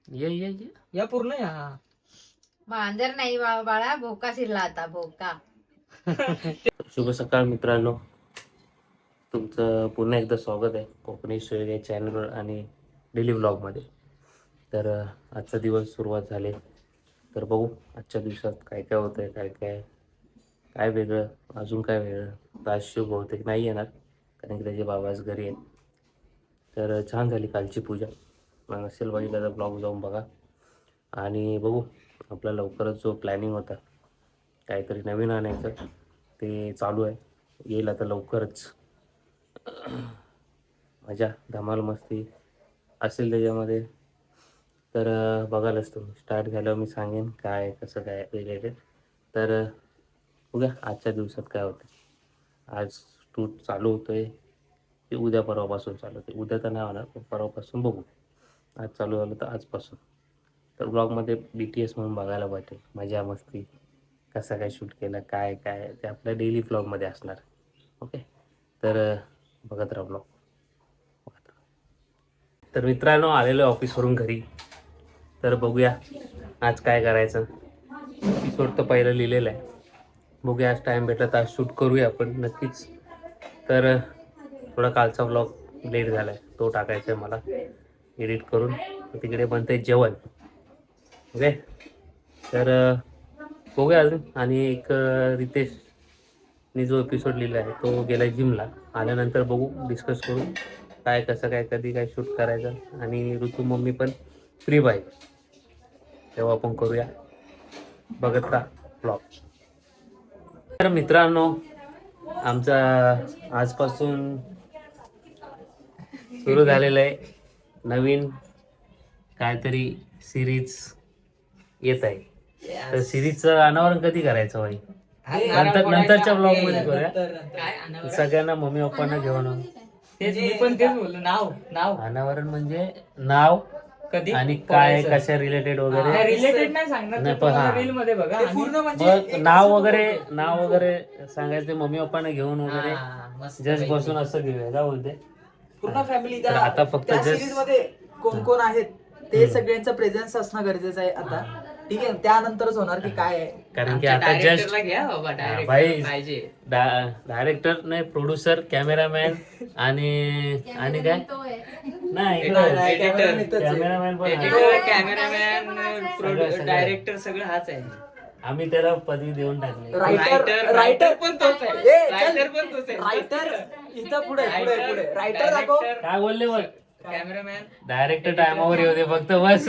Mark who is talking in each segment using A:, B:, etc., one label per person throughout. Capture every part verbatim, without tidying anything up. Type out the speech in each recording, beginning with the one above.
A: ये ये ये
B: या पूर्ण या
C: मांजर नाही बा- बाळा भोका शिरला आता भोका.
A: शुभ सकाळ मित्रांनो, तुमचं पुन्हा एकदा स्वागत आहे कोकणी स्टोरी या चॅनलवर आणि डेली व्लॉगमध्ये. तर अ, आजचा दिवस सुरुवात झाली. तर बघू आजच्या दिवसात काय काय होतं आहे, काय काय काय वेगळं, अजून काय वेगळं. तर आज शिव बहुतेक नाही येणार कारण की त्याचे बाबा आज घरी आहेत. तर अ, छान झाली कालची पूजा. मग असेल बघितलं तर ब्लॉग जाऊन बघा. आणि बघू आपला लवकरच जो प्लॅनिंग होता काहीतरी नवीन आणायचं ते चालू आहे, येईल आता लवकरच. मजा धमाल मस्ती असेल त्याच्यामध्ये. तर अ, बघालच तुम्ही स्टार्ट झाल्यावर मी सांगेन काय कसं काय रिलेटेड. तर अ, बघूया आजच्या दिवसात काय होतं. आज शूट चालू होतं आहे ते उद्या परवापासून चालू होते. उद्या तर नाही होणार पण परवापासून बघू. आज चालू झालं तर आजपासून. तर ब्लॉगमध्ये बी टी एस म्हणून बघायला भेटेल मजा मस्ती, कसं काय शूट केलं काय काय ते आपल्या डेली ब्लॉगमध्ये असणार. ओके, तर अ, बघत राहा ब्लॉग. तर मित्रांनो आलेलो आहे ऑफिसवरून घरी. तर बघूया आज काय करायचं. एपिसोड तर पहिलं लिहिलेलं आहे. बघूया आज टाईम भेटला तर आज शूट करूया आपण नक्कीच. तर अ, थोडा कालचा ब्लॉग लेट झाला आहे, तो टाकायचा आहे मला एडिट करून. तिकडे बनतं आहे जेवण. ओके, तर अ, बघूया अजून. आणि एक अ, रितेशने जो एपिसोड लिहिला आहे तो गेला जिमला. आल्यानंतर बघू डिस्कस करू काय कसं काय कधी काय शूट करायचं. आणि ऋतू मम्मी पण फ्री पाहिजे तेव्हा आपण करूया. बघत राहा ब्लॉग. तर मित्रांनो आमचा आजपासून सुरू झालेलं आहे नवीन काहीतरी सिरीज येत आहे. तर सिरीजचं अनावरण कधी करायचं भाई? नंतर नंतरच्या ब्लॉग मध्ये करूया. सगळ्यांना मम्मी पप्पांना घेऊन.
B: तेच मी पण तेच बोललो. नाव नाव
A: अनावरण म्हणजे नाव
B: कधी
A: आणि काय कशा रिलेटेड वगैरे.
B: रिलेटेड नाही सांगणार
A: नाही,
B: ते
A: पण
B: तुम्हाला
A: हा.
B: रील मध्ये बघा. पूर्ण
A: मग नाव वगैरे नाव वगैरे सांगायचे मम्मी पप्पांना घेऊन वगैरे जस्ट बसून असं घेऊया का बोलते.
D: पूर्ण फॅमिली
A: तर आता फक्त
D: त्या
A: just-
D: सिरीज मध्ये कोण कोण आहेत ते सगळ्यांचं प्रेझेन्स असणं गरजेचं आहे आता. ठीक आहे, त्यानंतरच होणार की काय आहे.
A: कारण की आता जस्ट
B: घ्या बाबा
A: हा, भाई
B: पाहिजे.
A: डायरेक्टर नाही, प्रोड्युसर, कॅमेरामॅन आणि आणि काय नाही
D: नाही, नाही, cameraman इथंच आहे.
A: कॅमेरामॅन पण आहे.
B: एडिटर कॅमेरामॅन
A: सगळं, सगळं.
B: डायरेक्टर सगळं हाच आहे.
A: आम्ही त्याला पदवी देऊन टाकली.
D: रायटर
B: रायटर पण तोच आहे.
D: ए, चल.
B: रायटर पण तोच आहे.
D: रायटर इथं पुढे पुढे पुढे रायटर दाखव.
A: काय बोलले बघ,
B: कॅमेरामॅन
A: डायरेक्टर टायमावर येऊ दे फक्त बस.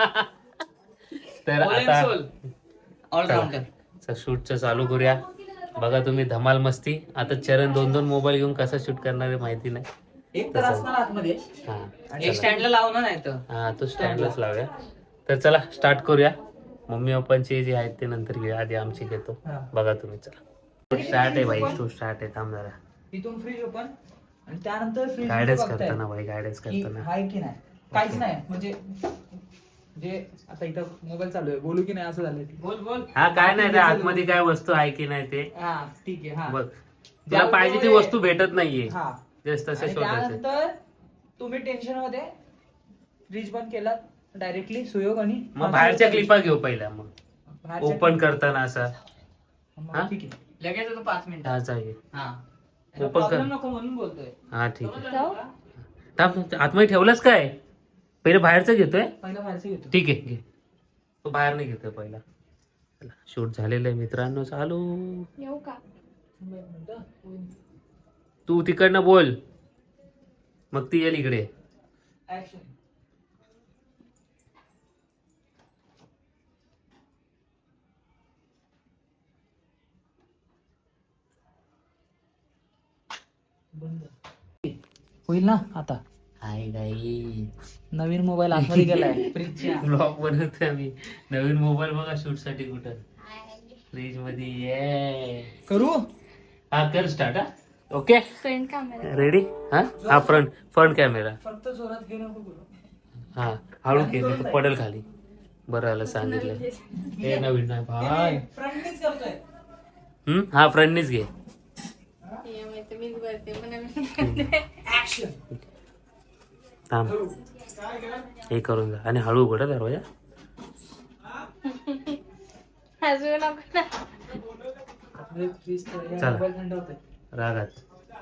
A: तर आता
B: ऑलराऊंडर
A: शूटचं चालू करूया. बघा तुम्ही धमाल मस्ती. आता चरण दोन दोन मोबाईल घेऊन कसं शूट करणार आहे माहिती नाही.
D: एक तर असणार आतमध्ये.
A: हा
B: एक
A: चला.
B: स्टँडला लावणार नाही तर
A: हा तो स्टँडलाच लावूया. तर चला स्टार्ट करूया. मम्मी पप्पांचे जे आहेत ते नंतर घेऊया, आधी आमची घेतो.
D: हा.
A: बघा तुम्ही. चला स्टार्ट आहे भाई, तो स्टार्ट आहे. थांब जरा.
D: इथून फ्रीज ओपन आणि त्यानंतर फ्रीज
A: गायडन्स करताना भाई, गायडन्स
D: की
A: करताना.
D: हाय की नाही काहीच नाही म्हणजे जे आता इथं मोबाईल चालू आहे बोलू की नाही असं झालं.
B: बोल बोल.
A: हा काय नाही त्या आतमध्ये काय वस्तू आहे की नाही ते
D: हा ठीक आहे. हा
A: बघ. तुला पाहिजे ती वस्तू भेटत नाहीये.
D: हा
A: जस्ट तसे
D: आणि
A: शोधायचे.
D: त्यानंतर तुम्ही टेन्शन मध्ये फ्रीज बंद केला डायरेक्टली सुयोग आणि
A: मग बाहेरच्या क्लिपा घेऊ पहिल्या. मग
D: बाहेरच्या
A: ओपन करताना असा
D: मग
A: हा?
D: ठीक आहे.
B: लगेच होतो पाच मिनिट.
A: हा चाहिए.
B: हा
A: ओपन कर.
B: प्रॉब्लेम नको म्हणून बोलतोय.
A: हा ठीक आहे. थांब, आतमध्ये ठेवलंच काय? पहिले बाहेरचं घेतोय.
D: पहिलं बाहेरचं घेतो.
A: ठीक आहे घे. तो बाहेर नाही घेतोय पहिला. शूट झालेलं आहे मित्रांनो, चालू.
C: येऊ का?
A: तू तिकडनं बोल मग ती येईल इकडे.
D: Action. होईल ना आता.
A: हाय गाई,
D: नवीन मोबाईल आतमध्ये गेलाय फ्रीजच्या.
A: ब्लॉग बनवतोय आम्ही. नवीन मोबाईल बघा शूट साठी कुठं फ्रीज मध्ये. ये
D: करू
A: हा कर स्टार्ट. हा ओके
C: फ्रंट कॅमेरा
A: रेडी. हा हा फ्रंट फ्रंट कॅमेरा.
D: फक्त जोरात घेऊ नको करू.
A: हा हळू केलं पडेल खाली. बरं आलं सांगितलं. हे नवीन नाही भाई.
D: फ्रंटनीच करतोय.
A: हम्म हा फ्रंटनीच घे.
C: मीच करते पण
D: ऍक्शन.
A: थांब हे करून जा आणि हळू उघडा दरवाजा.
C: हसू नको ना.
A: चला.
D: थंड होतंय.
A: रागात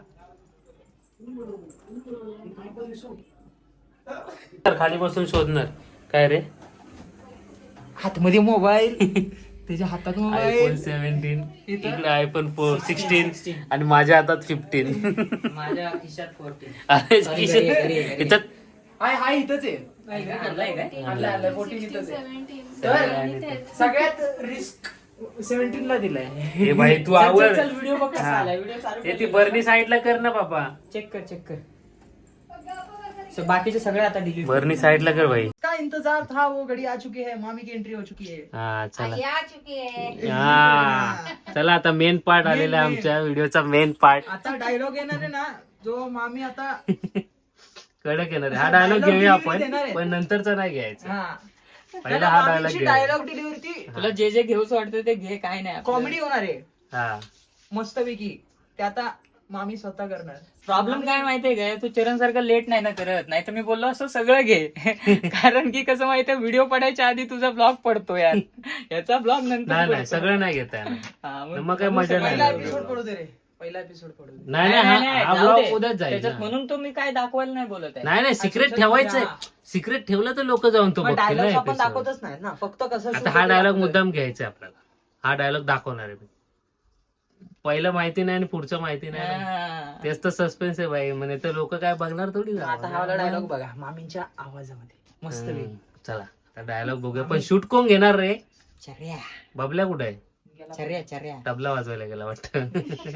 A: तर खाली बसून शोधणार काय रे.
D: हातमध्ये मोबाईल त्याच्या हातात
A: आयफोन
D: मोबाईल.
A: सेव्हन्टीन
D: इथं?
A: इकडे आयफोन फोर सिक्स्टीन आणि माझ्या हातात फिफ्टीन.
B: माझ्या खिशात फोर्टीन.
A: अरे
B: घरी, घरी, घरी, घरी.
A: इथं
D: हाय हाय इथंच आहे.
B: आणलाय काय?
D: आणलं आणलं फोर्टीन इथंच आहे. तर सगळ्यात रिस्क सेव्हन्टीन ला दिलाय.
A: हे भाई तू
B: चल, चल,
A: आवड
B: चल, व्हिडिओ बघ कसा
A: हा.
B: आलाय. व्हिडिओ चालू
A: हे
B: कर.
A: ती बर्नी साईडला कर ना बाबा.
B: चेक कर चेक कर. So, बाकीचे सगळे आता डिलीट.
A: बर्नी साईडला कर भाई.
D: का इंतजार था वो घड़ी आ चुकी है मामी की एंट्री हो चुकी है.
A: हा चला.
C: या चुकी आहे.
A: हा चला आता मेन पार्ट आलेला आहे
D: main.
A: आमच्या व्हिडिओचा मेन पार्ट.
D: आता डायलॉग येणार आहे ना जो मामी आता
A: कडक येणार आहे. हा
D: असा
A: डायलॉग
D: dialogue
A: घेऊया
D: delivery देणार
A: आपण
D: आहे.
A: पण नंतरचा नाही घ्यायचा.
D: हा
A: पहिला हा डायलॉग घ्यायचा.
D: डायलॉग डिलिव्हरी
B: तुला जे जे घेऊच वाटतं ते घे, काय नाही.
D: कॉमेडी होणार आहे
A: हा
D: मस्तपैकी. ते आता मामी स्वतः करणार.
B: प्रॉब्लेम काय माहितीये काय, तू चरण सारखं लेट नाही ना करत. नाही तर मी बोललो असं सगळं घे. कारण की कसं माहितीये, व्हिडिओ पडायच्या आधी तुझा ब्लॉग पडतो यार. याचा ब्लॉग नंतर
A: नाही नाही
B: पडतो.
A: सगळं नाही घेता येणार.
B: हा,
A: मग काय मजा नाही.
D: पहिला एपिसोड पडू दे रे. पहिला एपिसोड पडू दे.
A: नाही
B: नाही,
A: नाही
B: नाही,
A: हा- हा
B: जाऊ
A: ब्लॉग
B: दे.
A: उद्याच जाईल
B: त्याच्यात
A: ना.
B: म्हणून तो मी काय दाखवायला नाही बोलत आहे.
A: नाही नाही सिक्रेट
D: अच्छा,
A: ठेवायचंय.
D: हा.
A: सिक्रेट ठेवलं तर लोक जाऊन तो बघतील ना
D: डायलॉग आपण
A: episode.
D: दाखवतच नाही ना, फक्त कसं
A: आता
D: shoot
A: हा
D: होतं
A: डायलॉग
D: दाखवतोय.
A: मुद्दाम घ्यायचा आपल्याला. हा डायलॉग दाखवणार आहे मी. पहिलं माहिती नाही आणि पुढचं माहिती नाही.
B: हा.
A: तेच तर सस्पेन्स आहे भाई. म्हणजे तर लोक काय बघणार थोडी
D: आता
A: जाणार.
D: हा वाला डायलॉग बघा मामींच्या आवाजामध्ये मस्त
A: हम्म, चला आता डायलॉग बघूया. पण शूट कोण घेणार रे.
B: चर्या
A: बबल्या कुठे आहे.
B: चर्या चर्या.
A: तबला वाजवायला गेला वाटतं.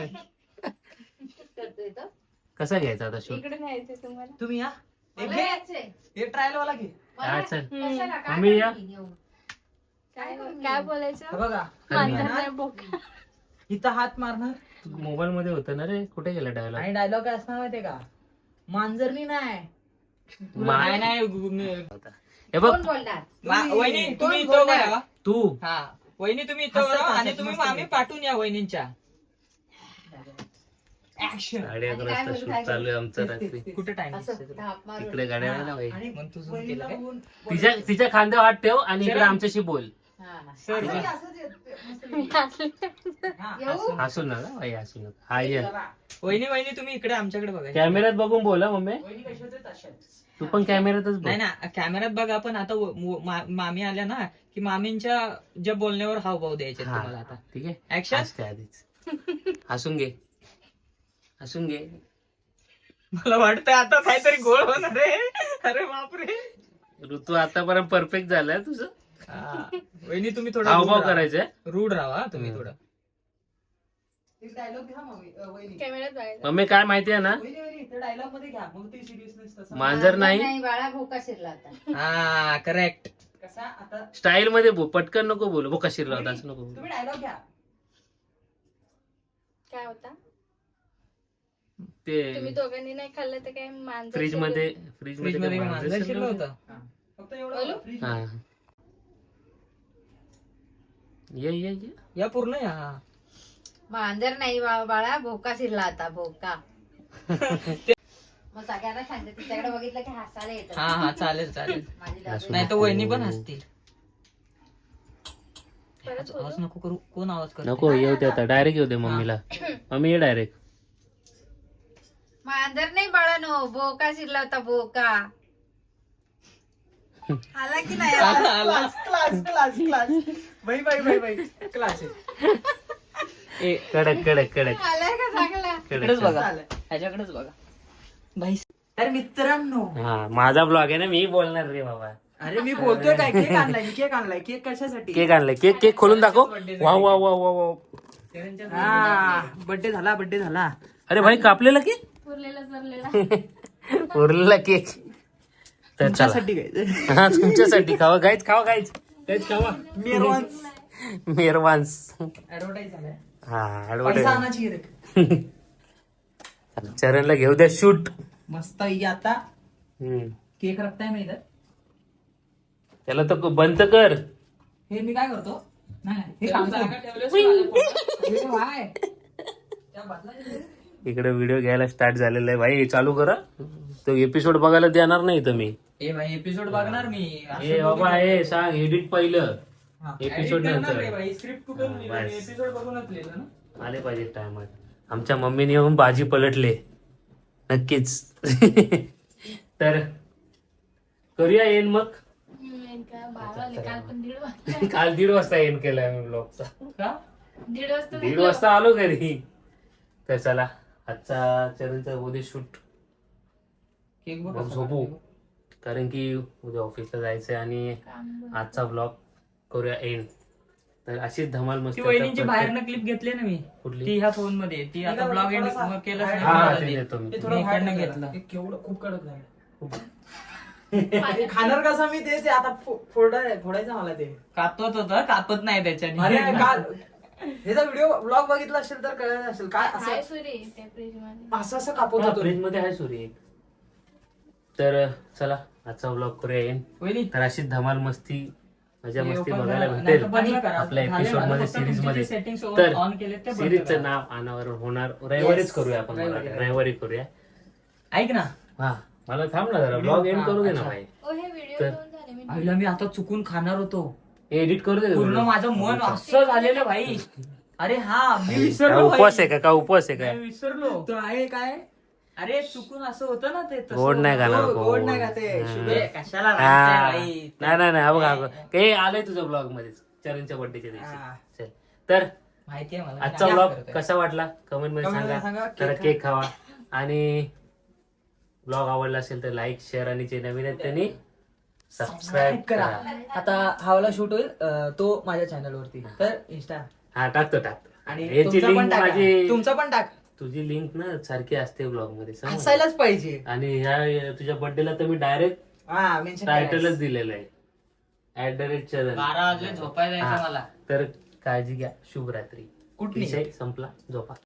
C: करतोय तो.
A: कसा घ्यायचा आता शूट.
C: इकडे न्यायचंय तुम्हाला.
D: तुम्ही या एक
C: मला
D: घे.
C: यायचंय.
D: हे ट्रायल वाला घे.
C: मला-
A: हा, चल.
C: कशाला? काय
A: मम्मी या.
C: करू मी घेऊन?
E: काय
C: करू
E: काय
C: मी?
E: बोलायचं
D: हे बघा
E: मांजर
D: ना,
E: नाही बोका.
D: इथं हात मारणार
A: मोबाईल मध्ये होतं ना रे. कुठे गेला डायलॉग.
D: आणि डायलॉग काय असणार माहितीये का, मांजरनी नाही
B: नाही नाही गु- मी-
A: हे बघ
C: कोण बोलणार?
B: मा- वहिनी तुम्ही
C: कोण
B: इथं
C: बोलणार?
B: बघा.
A: तू
B: हा वहिनी तुम्ही इथं
D: हसत-
B: बघा आणि
D: हसत
B: तुम्ही
D: मस्त
B: मामी
D: बोल.
B: पाठवून या वहिनींच्या.
D: ऍक्शन.
A: साडे अकरा
C: आणि काय
A: वाजता
C: बोलू,
A: शूट
C: काय
A: चालू आहे
C: बोलू?
A: आमचं रात्री.
B: कुठे टाइम
C: असं थाप मारून.
A: तिकडे गाड्या नाही ना भाई.
D: आणि
B: मग तू zoom
D: वहिनीला
B: केलं काय?
D: बघून
A: तिच्या तिच्या खांद्यावर हात ठेव आणि इकडे
B: चला.
A: आमच्याशी बोल.
C: हा, हा.
B: सर
D: असंच
B: बघ.
D: ये, असंच ये,
E: मी
D: मस्तपैकी.
E: हसले.
D: हा,
C: येऊ?
A: हसू नका भाई हसू नका. हा ये
D: जरा.
B: वहिनी वहिनी तुम्ही इकडे आमच्याकडे बघा.
A: कॅमेऱ्यात बघून बोला मम्मी.
D: वहिनी कशाच आहेत तशाच.
A: तू पण कॅमेऱ्यातच बोल.
B: नाही ना कॅमेऱ्यात बघा. पण आता व- व- मा- मामी आल्या ना की मामींच्या ज्या बोलण्यावर हावभाव द्यायचे
A: हा,
B: तुम्हाला आता.
A: ठीक आहे.
B: ऍक्शन.
A: हसते आधीच. हसून घे हसून घे.
B: मला वाटतंय आता काहीतरी गोळ होणार आहे. अरे बापरे.
A: ऋतू आतापर्यंत परफेक्ट झालाय तुझं.
B: हा. वहिनी तुम्ही थोडं
A: हावभाव
B: रूढ राहा.
A: करायचे.
B: रूढ राहा तुम्ही
A: हम्म.
B: थोडं.
D: एक डायलॉग घ्या मम्मी अ, वहिनी
E: कॅमेऱ्यात बघायचं.
A: मम्मी काय माहितीये ना.
D: वहिनी वहिनी ते डायलॉग मध्ये घ्या मग ते सिरियसनेस तसा
A: मांजर नाही
C: नाही बाळा भोका शिरला आता.
B: हा करेक्ट.
D: कसा आता
A: स्टाईल मध्ये बोल. पटकन नको बोलू. बो कशी राहत असं नको बोलू.
D: तुम्ही डायलॉग घ्या.
E: काय होता
A: ते
E: तुम्ही दोघांनी नाही खाल्लं तर काय मांजर
A: फ्रीज
E: शिरलं?
A: मध्ये फ्रीज
B: फ्रीज मध्ये
A: मध्ये
B: मांजर शिरलं होतं.
D: फक्त एवढं
E: बोलू?
D: फ्रीज
A: हा ये ये ये.
B: या पूर्ण या.
C: मांजर नाही बा- बाळा भोका शिरला आता भोका. मग सगळ्यांना सांगते तिच्याकडे बघितलं की हसायला येतं.
B: हा हा चालेल चालेल.
C: माझी दादू.
B: नाही तर वहिनी पण हसतील.
E: परत
B: आवाज
E: बोलू?
B: नको करू. कोण आवाज करतो.
A: नको येऊ दे आता. डायरेक्ट येऊ दे मम्मीला. मम्मी ये डायरेक्ट.
C: मांजर नाही बाळा नो भोका शिरला होता भोका. आला की नाही आला?
D: क्लास क्लास क्लास क्लास बाई बाई बाई बाई क्लास आहे.
B: ए,
A: कडक कडक कडक
C: आलाय का चांगला?
B: इकडेच
A: कडक.
B: बघा.
D: चालेल.
B: ह्याच्याकडेच बघा. भाई
D: तर मित्रांनो
A: हा माझा ब्लॉग आहे ना. मी बोलणार रे बाबा.
D: अरे मी बोलतोय काय केक आणलाय मी केक आणलाय केक कशासाठी
A: केक आणलाय. केक केक खोलून दाखव. वा वा वा वा वा.
D: हा बर्थडे झाला बर्थडे झाला.
A: अरे भाई कापलेला केक.
E: उरलेला जरलेला.
A: उरलेला केक. तर चला.
D: तुमच्यासाठी काय
A: हा तुमच्यासाठी खावा गायच खावा गायच गायच खावा.
D: मेरवान्स
A: मेहरवान्स.
D: ऍडव्हर्टाईज झालाय.
A: हा
D: पैसा
A: ऍडव्हर्टाईज.
D: आणायची गिऱ्हाईक.
A: चरणला घेऊ द्या शूट.
D: मस्त ही आता केक रखताय मी इथं.
A: त्याला तर बंद कर.
D: हे मी काय करतो नाही नाही, हे काम
B: जागा ठेवलीस माझ्या पोटात.
D: हे काय? त्या बाजूला
A: इकडे व्हिडिओ घ्यायला स्टार्ट झालेला आहे भाई. चालू करा, तो एपिसोड बघायला देणार नाही तुम्ही.
B: ए भाई एपिसोड बघणार मी.
A: ए बाबा हे सांग एडिट पहिलं एपिसोड नंतर
B: स्क्रिप्ट कुठून लिहिली?
A: बस.
B: एपिसोड बघूनच लिहिलं ना.
A: आले पाहिजे टायमात. आमच्या मम्मीने येऊन भाजी पलटले नक्कीच. तर करूया येईन मग.
E: हम्म, काय बारा वाजले, काल पण दीड वाजता
A: काल दीड वाजता येईन केलाय मी ब्लॉगचा.
B: का?
E: दीड वाजता
A: दीड वाजता आलो घरी. तर चला आजचा चरणचा उद्या शूट
B: केक बघ
A: मग
B: कसा
A: झोपू.
B: काढतो.
A: कारण की उद्या ऑफिसला जायचंय आणि
E: काम बंद.
A: आजचा ब्लॉग करूया एंड. तर अशीच धमाल मस्त
B: ती वहिनींची बाहेरनं क्लिप घेतली ना मी.
A: कुठली?
B: ती ह्या फोन मध्ये. ती आता
D: का
B: ब्लॉग एंड
D: थोडासा
B: केलं
D: बाहेर-
A: हा
B: नाही
A: ते
B: मला
A: देतो मी.
D: ते
B: मी
D: थोडं
B: इकडनं
D: बाहेर
B: घेतलं.
D: टाकलं. ते केवढं खूप कडक झालं.
E: पाणी-
D: ते खाणार कसं मी तेच आहे, आता फो- फोडा फोडायचं मला ते.
B: कापत होतं कापत नाही त्याच्याने.
D: अरे काल ह्याचा व्हिडिओ ब्लॉग बघितला असेल तर कळलं असेल काय
E: हाय
D: असं
E: सुरी त्या फ्रीज मध्ये.
D: असं असं कापत होतो.
A: फ्रीज मध्ये आहे सूर्य. तर चला आजचा ब्लॉग करूया एंड.
B: वहिनी
A: तर अशीच धमाल मस्ती मजा
B: हे
A: मस्ती
B: open
A: बघायला
B: करा.
A: भेटेल
B: नाही तर बंद करा.
A: आपल्या
B: झाले
A: एपिसोड
B: माझं.
A: मध्ये
B: फक्त
A: सिरीज
B: तुमचे
A: मध्ये.
B: जे settings on-
A: तर
B: on केलेत ते बंद
A: सिरीजचं
B: करा.
A: नाव अनावरण होणार रविवारीच
D: Yes.
A: करूया आपण.
D: रविवारी.
A: मला रविवारी करूया.
B: ऐक ना.
A: हा मला थांब ना जरा ब्लॉग एंड
B: हा,
A: करू दे ना
B: अच्छा.
A: भाई.
E: ओ हे व्हिडिओ
A: तर-
E: दोन झाले मी
B: आईला मी आता चुकून खाणार होतो.
A: एडिट करू दे.
B: पूर्ण माझं मन असं झालेलं भाई. अरे हा मी
A: काय
B: विसरलो भाई.
A: उपवास आहे का काय उपवास आहे
B: मी
A: काय.
B: विसरलो.
D: तो आहे काय
B: अरे चुकून असं होतं ना ते तसं
A: गोड नाही
B: होतं.
A: खाणार
D: गोड- गोड
A: गोड.
D: नाही का ते,
A: हा.
D: शुगर.
B: ए, कशाला
A: हा.
B: रागताय भाई?
A: नाही नाही नाही हा बघा हा बघा. हे आलंय तुझं ब्लॉग मध्ये चरणच्या बर्थडेच्या
D: हा.
A: दिवशी. चल तर
B: माहितीये मला.
A: आजचा
B: मी
A: ब्लॉग
B: करतोय.
A: कसा वाटला कमेंट मध्ये
D: Comment मध्ये
A: सांगा.
D: सांगा.
A: तर
D: केक
A: केक खावा आणि ब्लॉग आवडला असेल तर लाईक शेअर आणि जे नवीन आहेत त्यांनी सबस्क्राईब
D: करा.
A: करा.
D: आता हावला शूट होईल अं, तो माझ्या चॅनल वरती तर इंस्टा
A: हा टाकतो टाकतो.
D: आणि
A: याची
D: तुमचा पण
A: लिंक
D: टाका.
A: माझी
D: तुमचा पण टाक
A: तुझी लिंक ना सारखी असते ब्लॉग मध्ये समजलं?
D: असायलाच पाहिजे.
A: आणि ह्या तुझ्या बर्थडेला तर मी डायरेक्ट
D: हा मेन्शन
A: टायटलच दिलेलं आहे ऍट द रेट चरण.
B: बारा वाजले झोपायला
A: हा.
B: जायचं मला.
A: तर काळजी घ्या. शुभरात्री.
D: कुठली
A: विषय संपला. झोपा.